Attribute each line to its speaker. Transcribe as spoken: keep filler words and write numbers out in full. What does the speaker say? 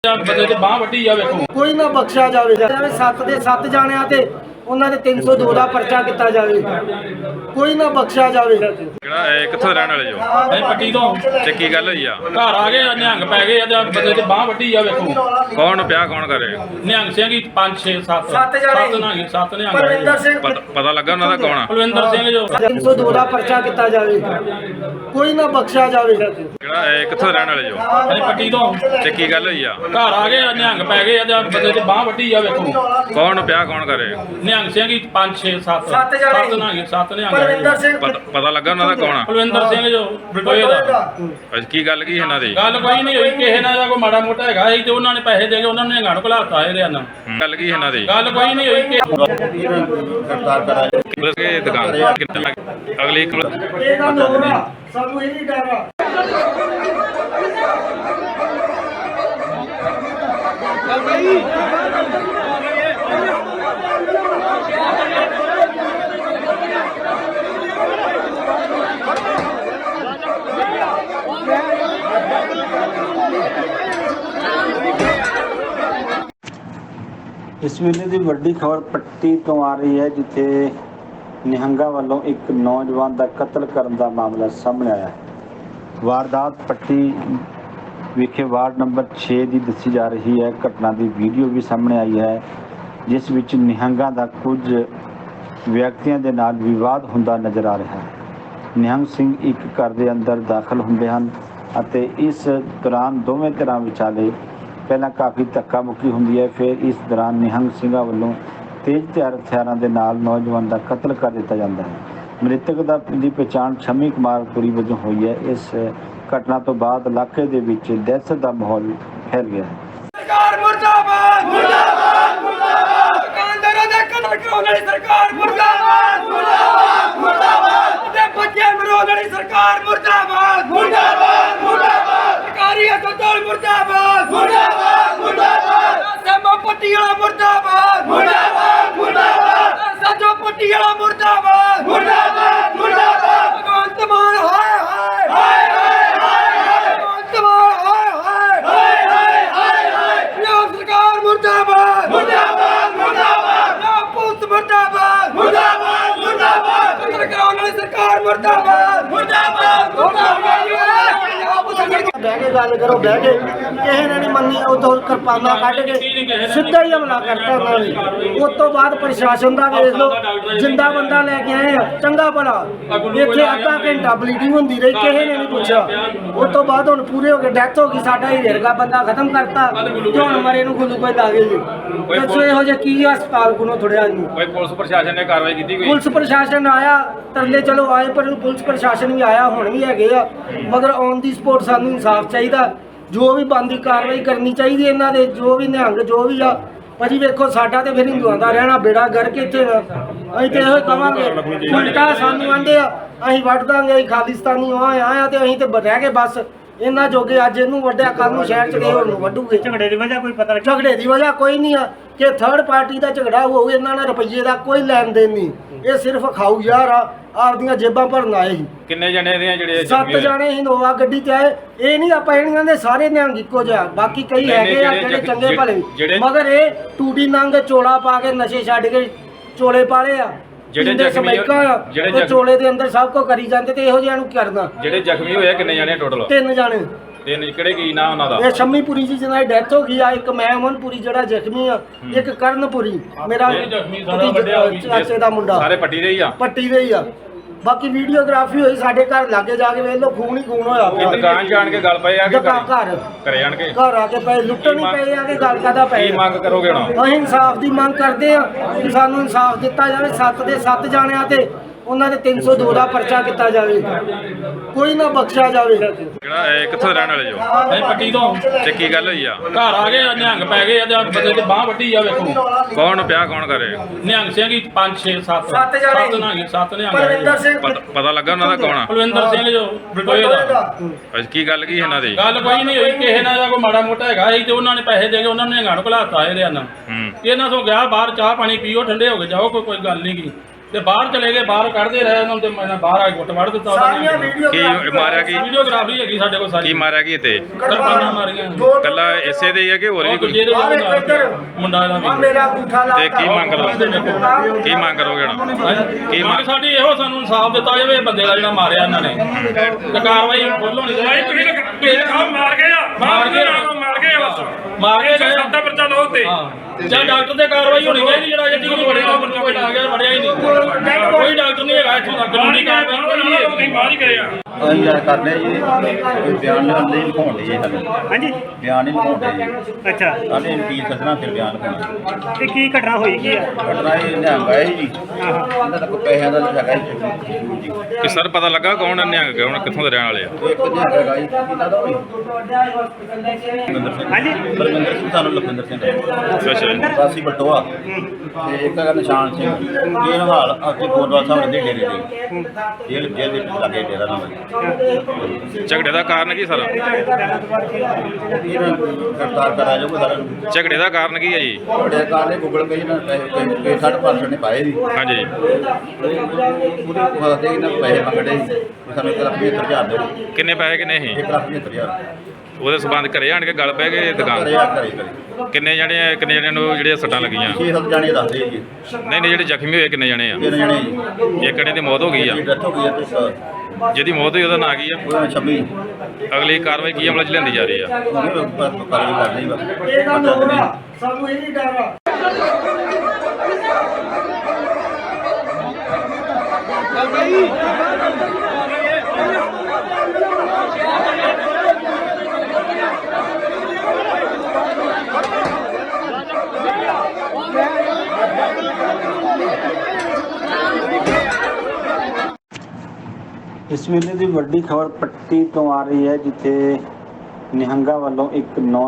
Speaker 1: ਬੰਦੇ ਤੇ ਬਾਹ ਵੱਢੀ ਆ ਵੇਖੋ
Speaker 2: ਕੋਈ ਨਾ ਬਖਸ਼ਿਆ ਜਾਵੇ ਸੱਤ ਦੇ ਸੱਤ ਜਾਣਿਆਂ ਤੇ ਉਹਨਾਂ ਦੇ ਤਿੰਨ ਸੌ ਦੋ ਦਾ ਪਰਚਾ ਕੀਤਾ ਜਾਵੇ ਕੋਈ ਨਾ ਬਖਸ਼ਿਆ ਜਾਵੇ।
Speaker 3: ਕਿਹੜਾ ਇਹ ਕਿੱਥੋਂ ਰਹਿਣ ਵਾਲੇ ਜੋ
Speaker 1: ਇਹ ਪੱਟੀ ਤੋਂ
Speaker 3: ਤੇ ਕੀ ਗੱਲ ਹੋਈ ਆ?
Speaker 1: ਘਰ ਆ ਗਏ ਨਿਹੰਗ ਪੈ ਗਏ ਆ ਬੰਦੇ ਤੇ ਬਾਹ ਵੱਢੀ ਆ ਵੇਖੋ
Speaker 3: ਕੌਣ ਪਿਆ ਕੌਣ ਕਰੇ?
Speaker 1: ਨਿਹੰਗ ਸਿੰਘ ਹੀ ਪੰਜ ਛੇ ਸੱਤ
Speaker 2: ਸੱਤ ਜਾਣੇ
Speaker 1: ਨਿਹੰਗ ਸੱਤ ਨਿਹੰਗ
Speaker 2: ਪਰਵਿੰਦਰ ਸਿੰਘ
Speaker 3: ਪਤਾ ਪਤਾ ਲੱਗਾ ਉਹਨਾਂ ਦਾ ਕੌਣ ਆ?
Speaker 1: ਕੁਲਵਿੰਦਰ ਸਿੰਘ ਜੋ
Speaker 2: ਤਿੰਨ ਸੌ ਦੋ ਦਾ ਪਰਚਾ ਕੀਤਾ ਜਾਵੇ ਕੋਈ ਨਾ ਬਖਸ਼ਿਆ ਜਾਵੇ।
Speaker 3: ਕਿਹੜਾ ਇਹ ਕਿੱਥੋਂ ਰਹਿਣ ਵਾਲੇ ਜੋ
Speaker 1: ਇਹ ਪੱਟੀ ਤੋਂ
Speaker 3: ਤੇ ਕੀ ਗੱਲ ਹੋਈ ਆ?
Speaker 1: ਘਰ ਆ ਗਏ ਨਿਹੰਗ ਪੈ ਗਏ ਆ ਬੰਦੇ ਤੇ ਬਾਹ ਵੱਢੀ ਆ ਵੇਖੋ
Speaker 3: ਕੌਣ ਪਿਆ ਕੌਣ ਕਰੇ?
Speaker 1: ਨਿਹੰਗ ਸਿੰਘ ਹੀ ਪੰਜ ਛੇ ਸੱਤ
Speaker 2: ਸੱਤ ਜਾਣੇ
Speaker 1: ਨਿਹੰਗ ਸੱਤ
Speaker 2: ਪਰਵਿੰਦਰ
Speaker 1: ਨਿਹੰਗ
Speaker 2: ਸਿੰਘ
Speaker 3: ਪਤਾ ਪਤਾ ਲੱਗਾ ਉਹਨਾਂ ਦਾ ਕੌਣ ਆ?
Speaker 1: ਕੁਲਵਿੰਦਰ ਸਿੰਘ ਜੋ ਬਟੋਏ ਦਾ
Speaker 3: ਅੱਜ ਕੀ ਗੱਲ ਕੀ ਇਹਨਾਂ ਦੀ?
Speaker 1: ਗੱਲ ਕੋਈ ਨਹੀਂ ਹੋਈ ਕਿਸੇ ਨਾਲ ਦਾ ਕੋਈ ਮਾੜਾ ਮੋਟਾ ਹੈਗਾ ਸੀ ਤੇ ਉਹਨਾਂ ਨੇ ਪੈਸੇ ਦੇ ਕੇ ਉਹਨਾਂ ਨੇ ਨਿਹੰਗਾਂ ਨੂੰ ਘਲਾਤਾ ਇਹਦੇ ਨਾਲ
Speaker 3: ਗੱਲ ਕੀ ਇਹਨਾਂ ਦੀ?
Speaker 1: ਗੱਲ ਕੋਈ ਨਹੀਂ ਹੋਈ ਕਿ
Speaker 3: ਪੁਲਿਸ ਕੇ ਦੁਕਾਨ ਕਿੰਨਾ ਅਗਲੀ
Speaker 2: ਇਹ ਗੱਲ ਹੋਰ ਆ ਸਾਨੂੰ ਇਹ ਨਹੀਂ ਡਰ ਆ।
Speaker 4: इस वेले की वड्डी खबर पट्टी तो आ रही है जिथे निहंगा वालों एक नौजवान का कत्ल करने का मामला सामने आया है। वारदात पट्टी विखे वार्ड नंबर छे की दसी जा रही है। घटना की वीडियो भी सामने आई है जिस विच निहंगा का कुछ व्यक्तियों के नाल विवाद हुंदा नज़र आ रहा है। निहंग सिंह एक घर के अंदर दाखिल हुंदे हन अते इस दौरान दोवें धਿਰਾਂ विचाले पहला काफ़ी धक्का मुक्की होंदी है। फिर इस दौरान निहंग सिंह वालों तेज तैयार हथियारों के नाल नौजवान का कत्ल कर दिया जाता है। मृतक की पहचान शमी कुमार पुरी वजों हुई है। इस घटना तो बाद इलाके के विच दहशत का माहौल फैल गया है।
Speaker 2: सरकार मुर्दाबाद मुर्दाबाद मुर्दाबाद दुकानदारों दे कत्ल कराउण वाली सरकार मुर्दाबाद मुर्दाबाद मुर्दाबाद ते बच्चे मराउण वाली सरकार मुर्दाबाद मुर्दाबाद मुर्दाबाद सरकारी अस्पताल मुर्दाबाद मुर्दाबाद मुर्दाबाद सेमा पट्टी वाला मुर्दाबाद मुर्दाबाद मुर्दाबाद सजो पट्टी वाला मुर्दाबाद मुर्दाबाद मुर्दाबाद भगवंत मान हाय हाय हाय हाय हाय भगवंत मान हाय हाय हाय हाय हाय ਪੰਜਾਬ सरकार मुर्दाबाद मुर्दाबाद मुर्दाबाद पुलिस मुर्दाबाद मुर्दाबाद मुर्दाबाद कत्ल कराने वाली सरकार मुर्दाबाद मुर्दाबाद मुर्दाबाद ਬਹਿ ਕੇ ਗੱਲ ਕਰੋ ਬਹਿ ਕੇ ਕਿਸੇ ਨੇ ਨਹੀਂ ਮੰਨੀ ਉਦੋਂ ਕਿਰਪਾਨਾਂ ਕੱਢ ਕੇ ਸਿੱਧਾ ਹੀ ਹਮਲਾ ਕਰਤਾ ਉਹਨਾਂ ਨੇ। ਉਸ ਤੋਂ ਬਾਅਦ ਪ੍ਰਸ਼ਾਸਨ ਦਾ ਵੇਖ ਲਓ ਜਿੰਦਾ ਬੰਦਾ ਲੈ ਕੇ ਆਏ ਆ ਚੰਗਾ ਭਲਾ ਇੱਥੇ ਅੱਧਾ ਘੰਟਾ ਬਲੀਡਿੰਗ ਹੁੰਦੀ ਰਹੀ ਕਿਸੇ ਨੇ ਨਹੀਂ ਪੁੱਛਿਆ। ਉਸ ਤੋਂ ਬਾਅਦ ਹੁਣ ਪੂਰੇ ਹੋ ਗਏ ਡੈਥ ਹੋ ਗਈ ਸਾਡਾ ਹੀ ਰੇਰਗਾ ਬੰਦਾ ਖਤਮ ਕਰਤਾ ਤੇ ਹੁਣ ਮਰੇ ਨੂੰ ਗੁੱਲੂ ਕੋਈ ਦਾਗੇ ਜੀ ਦੱਸੋ ਇਹੋ ਜਿਹਾ ਕੀ ਹਸਪਤਾਲ ਕੋਲੋਂ ਥੋੜਿਆ ਨਹੀਂ
Speaker 3: ਕੋਈ ਪੁਲਿਸ ਪ੍ਰਸ਼ਾਸਨ ਨੇ ਕਾਰਵਾਈ ਕੀਤੀ ਕੋਈ?
Speaker 2: ਪੁਲਿਸ ਪ੍ਰਸ਼ਾਸਨ ਆਇਆ ਤਰਲੇ ਚਲੋ ਆਏ ਪਰ ਪੁਲਿਸ ਪ੍ਰਸ਼ਾਸਨ ਵੀ ਆਇਆ ਹੁਣ ਵੀ ਹੈਗੇ ਆ ਮਗਰ ਔਨ ਦੀ ਸਪੋਰਟ ਸਾਨੂੰ ਇਨਸਾਫ ਚਾਹੀਦਾ ਜੋ ਵੀ ਬੰਦੀ ਕਾਰਵਾਈ ਕਰਨੀ ਚਾਹੀਦੀ ਇਹਨਾਂ ਦੇ ਜੋ ਵੀ ਨਿਹੰਗ ਜੋ ਵੀ ਆ ਭਾਜੀ ਵੇਖੋ ਸਾਡਾ ਤੇ ਫਿਰ ਹਿੰਦੂਆਂ ਦਾ ਰਹਿਣਾ ਬੇੜਾ ਗਰਕ ਇੱਥੇ ਅਸੀਂ ਤੇ ਇਹੋ ਕਵਾਂਗੇ ਉਲਟਾ ਸਾਨੂੰ ਆਂਦੇ ਆ ਅਸੀਂ ਵੱਢ ਦਾਂਗੇ ਅਸੀਂ ਖਾਲਿਸਤਾਨੀ ਆਇਆ ਤੇ ਅਸੀਂ ਤੇ ਰਹਿ ਗਏ ਬਸ ਇਹਨਾਂ ਜੋਗੇ ਅੱਜ ਇਹਨੂੰ ਵੱਢਿਆ ਕੱਲ ਨੂੰ ਸ਼ਹਿਰ ਚ ਗਏ ਹੋਰ ਨੂੰ ਵੱਢੂਗੇ। ਝਗੜੇ ਦੀ ਵਜ੍ਹਾ ਕੋਈ ਪਤਾ ਨਹੀਂ ਝਗੜੇ ਦੀ ਵਜ੍ਹਾ ਕੋਈ ਨਹੀਂ ਆ ਕਿ ਥਰਡ ਪਾਰਟੀ ਦਾ ਝਗੜਾ ਹੋਊ ਇਹਨਾਂ ਨਾਲ ਰੁਪਈਏ ਦਾ ਕੋਈ ਲੈਣ ਦੇਣ ਨਹੀਂ ਇਹ ਸਿਰਫ ਖਾਊ ਯਾਰ ਆ ਆਪਦੀਆਂ ਜੇਬਾਂ ਭਰਨ ਆਏ ਸੀ।
Speaker 3: ਕਿੰਨੇ ਜਣੇ ਦੇ ਜਿਹੜੇ
Speaker 2: ਸੱਤ ਜਾਣੇ ਇਨੋਵਾ ਗੱਡੀ ਤੇ ਆਏ ਇਹ ਨਹੀਂ ਆਪਾਂ ਇਹਨਾਂ ਦੇ ਸਾਰੇ ਨਿਹੰਗ ਇੱਕੋ ਜਿਹਾ ਬਾਕੀ ਕਈ ਹੈਗੇ ਆ ਜਿਹੜੇ ਚੰਗੇ ਭਲੇ ਮਗਰ ਇਹ ਟੂਟੀ ਨੰਗ ਚੋਲਾ ਪਾ ਕੇ ਨਸ਼ੇ ਛੱਡ ਕੇ ਚੋਲੇ ਪਾਲੇ ਆ
Speaker 3: ਜਿਹੜੇ ਜ਼ਖਮੀ
Speaker 2: ਜਿਹੜੇ ਚੋਲੇ ਦੇ ਅੰਦਰ ਸਭ ਕੁਝ ਕਰੀ ਜਾਂਦੇ ਤੇ ਇਹੋ ਜਿਹਾ ਨੂੰ ਕਰਨਾ।
Speaker 3: ਜਿਹੜੇ ਜ਼ਖਮੀ ਹੋਏ ਕਿੰਨੇ ਜਣੇ ਟੋਟਲ?
Speaker 2: ਤਿੰਨ ਜਾਣੇ।
Speaker 3: ਤਿੰਨ ਕਿਹੜੇ ਕੀ ਨਾਂ ਉਹਨਾਂ ਦਾ?
Speaker 2: ਇਹ ਸ਼ਮੀਪੁਰੀ ਜੀ ਜਿਹਨਾਂ ਦੀ ਡੈਥ ਹੋ ਗਈ ਆ ਇੱਕ ਮੈਂ ਅਮਨਪੁਰੀ ਜਿਹੜਾ ਜ਼ਖਮੀ ਆ ਇੱਕ ਕਰਨਪੁਰੀ ਮੇਰਾ ਚਾਚੇ ਦਾ ਮੁੰਡਾ
Speaker 3: ਸਾਰੇ ਪੱਟੀ ਦੇ ਹੀ ਆ
Speaker 2: ਪੱਟੀ ਦੇ ਹੀ ਆ। ਬਾਕੀ ਵੀਡੀਓਗ੍ਰਾਫੀ ਹੋਈ ਸਾਡੇ ਘਰ ਲਾਗੇ ਜਾ ਕੇ ਵੇਖ ਲਓ ਖੂਨ ਹੀ ਖੂਨ ਹੋਇਆ ਪਿਆ।
Speaker 3: ਦੁਕਾਨ ਜਾਣ ਕੇ ਗੱਲ ਪਏ ਆ ਕਿ
Speaker 2: ਘਰ
Speaker 3: ਘਰੇ ਜਾਣ ਕੇ
Speaker 2: ਘਰ ਆ ਕੇ ਪਏ ਲੁੱਟਣ ਹੀ ਪਏ ਆ ਕਿ ਗੱਲ ਕਾਦਾ ਪਏ
Speaker 3: ਕੀ ਮੰਗ ਕਰੋਗੇ ਹੁਣ?
Speaker 2: ਅਸੀਂ ਇਨਸਾਫ ਦੀ ਮੰਗ ਕਰਦੇ ਆ ਕਿ ਸਾਨੂੰ ਇਨਸਾਫ ਦਿੱਤਾ ਜਾਵੇ ਸੱਤ ਦੇ ਸੱਤ ਜਾਣਿਆਂ ਤੇ ਉਹਨਾਂ ਦੇ ਤਿੰਨ ਸੌ ਦੋ ਦਾ ਪਰਚਾ ਕੀਤਾ ਜਾਵੇ ਕੋਈ ਨਾ ਬਖਸ਼ਿਆ ਜਾਵੇ।
Speaker 3: ਕਿਹੜਾ ਇਹ ਕਿੱਥੋਂ ਰਹਿਣ ਵਾਲੇ ਜੋ
Speaker 1: ਇਹ ਪੱਟੀ ਤੋਂ
Speaker 3: ਤੇ ਕੀ ਗੱਲ ਹੋਈ ਆ?
Speaker 1: ਘਰ ਆ ਗਏ ਨਿਹੰਗ ਪੈ ਗਏ ਆ ਬੰਦੇ ਤੇ ਬਾਹ ਵੱਢੀ ਆ ਵੇਖੋ
Speaker 3: ਕੌਣ ਪਿਆ ਕੌਣ ਕਰੇ?
Speaker 1: ਨਿਹੰਗ ਸਿੰਘ ਹੀ ਪੰਜ ਛੇ ਸੱਤ
Speaker 2: ਸੱਤ ਜਾਣੇ
Speaker 1: ਨਿਹੰਗ ਸੱਤ
Speaker 2: ਪਰਵਿੰਦਰ
Speaker 1: ਨਿਹੰਗ
Speaker 2: ਸਿੰਘ
Speaker 3: ਪਤਾ ਪਤਾ ਲੱਗਾ ਉਹਨਾਂ ਦਾ ਕੌਣ ਆ?
Speaker 1: ਕੁਲਵਿੰਦਰ ਸਿੰਘ ਜੋ ਬਟੋਏ ਦਾ
Speaker 3: ਅੱਜ ਕੀ ਗੱਲ ਕੀ ਇਹਨਾਂ ਦੀ?
Speaker 1: ਗੱਲ ਕੋਈ ਨਹੀਂ ਹੋਈ ਕਿਸੇ ਨਾਲ ਦਾ ਕੋਈ ਮਾੜਾ ਮੋਟਾ ਹੈਗਾ ਸੀ ਤੇ ਉਹਨਾਂ ਨੇ ਪੈਸੇ ਦੇ ਕੇ ਉਹਨਾਂ ਨੇ ਨਿਹੰਗਾਂ ਨੂੰ ਘਲਾਤਾ ਇਹਦੇ ਨਾਲ
Speaker 3: ਹੂੰ
Speaker 1: ਇਹਨਾਂ ਤੋਂ ਗਿਆ ਬਾਹਰ ਚਾਹ ਪਾਣੀ ਪੀਓ ਠੰਡੇ ਹੋ ਕੇ ਜਾਓ ਕੋਈ ਕੋਈ ਗੱਲ ਨਹੀਂ ਗੀ ਤੇ ਬਾਹਰ ਚਲੇ ਗਏ, ਬਾਹਰ ਕੱਢਦੇ ਰਹੇ ਉਹਨਾਂ ਨੂੰ ਤੇ ਮੈਂ ਬਾਹਰ ਆ ਕੇ ਗੁੱਟ ਵੜ ਦਿੱਤਾ ਉਹਨਾਂ ਨੇ।
Speaker 3: ਕੀ ਮਾਰਿਆ ਕੀ
Speaker 1: ਵੀਡੀਓਗ੍ਰਾਫੀ ਹੈਗੀ ਸਾਡੇ ਕੋਲ ਸਾਰੀ।
Speaker 3: ਕੀ ਮਾਰਿਆ ਕੀ ਤੇ
Speaker 1: ਕਿਰਪਾਨਾਂ ਮਾਰੀਆਂ
Speaker 3: ਕੱਲਾ ਇਸੇ ਦੇ ਹੀ ਆ ਕਿ ਹੋਰ ਵੀ ਕੋਈ
Speaker 1: ਦੂਜੇ ਦੇ ਮੁੰਡਾ ਦਾ ਵੀ।
Speaker 3: ਤੇ ਕੀ ਮੰਗ ਕਰੋ ਕੀ ਮੰਗ ਕਰੋਗੇ ਹੁਣ
Speaker 1: ਕੀ ਮੰਗ ਸਾਡੀ ਇਹੋ, ਸਾਨੂੰ ਇਨਸਾਫ ਦਿੱਤਾ ਜਾਵੇ ਇਹ ਬੰਦੇ ਦਾ ਜਿਹੜਾ ਮਾਰਿਆ ਇਹਨਾਂ ਨੇ, ਤੇ ਕਾਰਵਾਈ ਫੁੱਲ ਹੋਣੀ ਚਾਹੀਦੀ।
Speaker 5: ਤੁਸੀਂ ਤੁਸੀਂ ਮਾਰ ਗਏ ਆ
Speaker 1: ਮਾਰ ਕੇ
Speaker 5: ਮਾਰ ਗਏ ਆ ਬਸ
Speaker 1: ਮਾਰ ਕੇ ਗਏ।
Speaker 5: ਸੱਤਾ ਪਰਚਾ ਲਓ ਤੇ
Speaker 1: ਜਾਂ ਡਾਕਟਰ ਤੇ ਕਾਰਵਾਈ ਹੋਣੀ ਚਾਹੀਦੀ, ਜਿਹੜਾ ਜੱਟੀ ਨੂੰ ਬੜੇ ਕੋਈ ਆ ਗਿਆ ਵੜਿਆ ਹੀ ਨਹੀਂ, ਕੋਈ ਡਾਕਟਰ ਨਹੀਂ ਹੈਗਾ ਇੱਥੋਂ ਤੱਕ ਕਾਨੂੰਨੀ ਕਾਰਵਾਈ
Speaker 5: ਤੁਸੀਂ ਮਾਰ ਹੀ ਗਏ ਆ।
Speaker 6: ਅਸੀਂ ਯਾਰ ਕਰਦੇ ਜੀ ਕੋਈ ਬਿਆਨ ਨਹੀਂ ਲਿਖਾਉਣ ਲਈ ਸਾਨੂੰ
Speaker 7: ਹਾਂਜੀ
Speaker 6: ਬਿਆਨ ਨਹੀਂ ਲਿਖਾਉਂਦੇ ਜੀ
Speaker 7: ਅੱਛਾ
Speaker 6: ਸਾਡੇ ਵਕੀਲ ਸੱਦਣਾ ਫਿਰ ਬਿਆਨ ਲਿਖਾਉਣਾ
Speaker 7: ਤੇ ਕੀ ਘਟਨਾ ਹੋਈ ਕੀ ਆ
Speaker 6: ਘਟਨਾ ਇਹ ਨਿਹੰਗ ਆਏ ਜੀ ਇਹਨਾਂ ਦਾ ਕੋਈ ਪੈਸਿਆਂ ਦਾ ਹੈਗਾ ਜੀ ਜੀ
Speaker 3: ਕਿ ਸਰ ਪਤਾ ਲੱਗਾ ਕੌਣ ਨਿਹੰਗ ਕੌਣ ਕਿੱਥੋਂ ਦੇ ਰਹਿਣ ਵਾਲੇ ਆ?
Speaker 6: ਇੱਕ ਨਿਹੰਗ ਹੈਗਾ ਜੀ ਇਹਨਾਂ ਦਾ ਹੋਈ ਲਖਵਿੰਦਰ ਸਿੰਘ
Speaker 7: ਹਾਂਜੀ
Speaker 6: ਬਲਵਿੰਦਰ ਸਿੰਘ ਸਾਨੂੰ ਲਖਵਿੰਦਰ ਸਿੰਘ
Speaker 3: ਅੱਛਾ ਜੀ।
Speaker 6: ਵਾਸੀ ਬਟੋਆ ਤੇ ਇੱਕ ਹੈਗਾ ਨਿਸ਼ਾਨ ਸਿੰਘ ਇਹ ਹਾਲ ਅਸੀਂ ਗੋਦਵਾਲ ਸਾਹਿਬ ਦੇ ਡੇਰੇ ਦੇ ਜੇਲ੍ਹ ਜੇਲ੍ਹ ਦੇ ਲੱਗੇ ਡੇਰਾ ਨਾਮ
Speaker 3: ਝਗੜੇ ਦਾ ਕਾਰਨ ਕੀ ਸਰ?
Speaker 6: ਇਹਨਾਂ ਨੂੰ ਗ੍ਰਿਫਤਾਰ ਕਰਾਇਆ ਜਾਊਗਾ ਸਾਰਿਆਂ ਨੂੰ
Speaker 3: ਝਗੜੇ ਦਾ ਕਾਰਨ ਕੀ ਹੈ ਜੀ?
Speaker 6: ਬੜੇ ਕਾਰਨੇ ਗੂਗਲ ਪੇ ਨਾਲ ਪੈਸੇ ਸਾਢੇ ਪੰਜ ਸੌ ਨੇ ਪਾਏ ਜੀ
Speaker 3: ਹਾਂਜੀ
Speaker 6: ਉਹਦੇ ਵਾਸਤੇ ਇਹਨਾਂ ਪੈਸੇ ਮੰਗੜੇ ਸੀ ਸਾਨੂੰ ਇੱਕ ਲੱਖ ਪਝੱਤਰ ਹਜ਼ਾਰ ਦਿਓ
Speaker 3: ਕਿੰਨੇ ਪੈਸੇ ਕਿੰਨੇ ਸੀ?
Speaker 6: ਇੱਕ ਲੱਖ ਪਝੱਤਰ ਹਜ਼ਾਰ
Speaker 3: ਉਹਦੇ ਸਬੰਧ ਘਰੇ ਆਣ ਕੇ ਗੱਲ ਪੈ ਗਏ ਦੁਕਾਨ
Speaker 6: ਘਰੇ ਆ ਘਰੇ ਘਰੇ
Speaker 3: ਕਿੰਨੇ ਜਣੇ ਕਿੰਨੇ ਜਣਿਆਂ ਨੂੰ ਜਿਹੜੇ ਸੱਟਾਂ ਲੱਗੀਆਂ?
Speaker 6: ਛੇ ਸੱਤ ਜਾਣੇ ਦੱਸਦੇ ਜੀ
Speaker 3: ਨਹੀਂ ਨਹੀਂ ਜਿਹੜੇ ਜ਼ਖਮੀ ਹੋਏ ਕਿੰਨੇ ਜਣੇ ਆ?
Speaker 6: ਤਿੰਨ ਜਣੇ ਜੀ
Speaker 3: ਇੱਕ ਜਣੇ ਦੀ ਮੌਤ ਹੋ ਗਈ ਆ।
Speaker 6: ਜੀ ਡੈਥ ਹੋ ਗਈ ਹੈ ਤੇ ਇੱਕ
Speaker 3: ਜਿਹਦੀ ਮੌਤ ਹੋਈ ਉਹਦਾ ਨਾਂ ਕੀ ਆ?
Speaker 6: ਉਹਨਾਂ ਛੱਬੀ
Speaker 3: ਅਗਲੀ ਕਾਰਵਾਈ ਕੀ ਅਮਲ ਚ ਲਿਆਂਦੀ ਜਾ ਰਹੀ ਆ?
Speaker 6: ਉਹਨੇ ਕਾਰਵਾਈ ਕਰਨੀ ਬਸ
Speaker 2: ਸਾਨੂੰ ਇਹ ਨਹੀਂ ਡਰ ਆ।
Speaker 4: ਇਸ ਵੇਲੇ ਦੀ ਵੱਡੀ ਖਬਰ ਪੱਟੀ ਤੋਂ ਆ ਰਹੀ ਹੈ, ਜਿੱਥੇ ਨਿਹੰਗਾ ਵੱਲੋਂ ਇੱਕ ਨੌ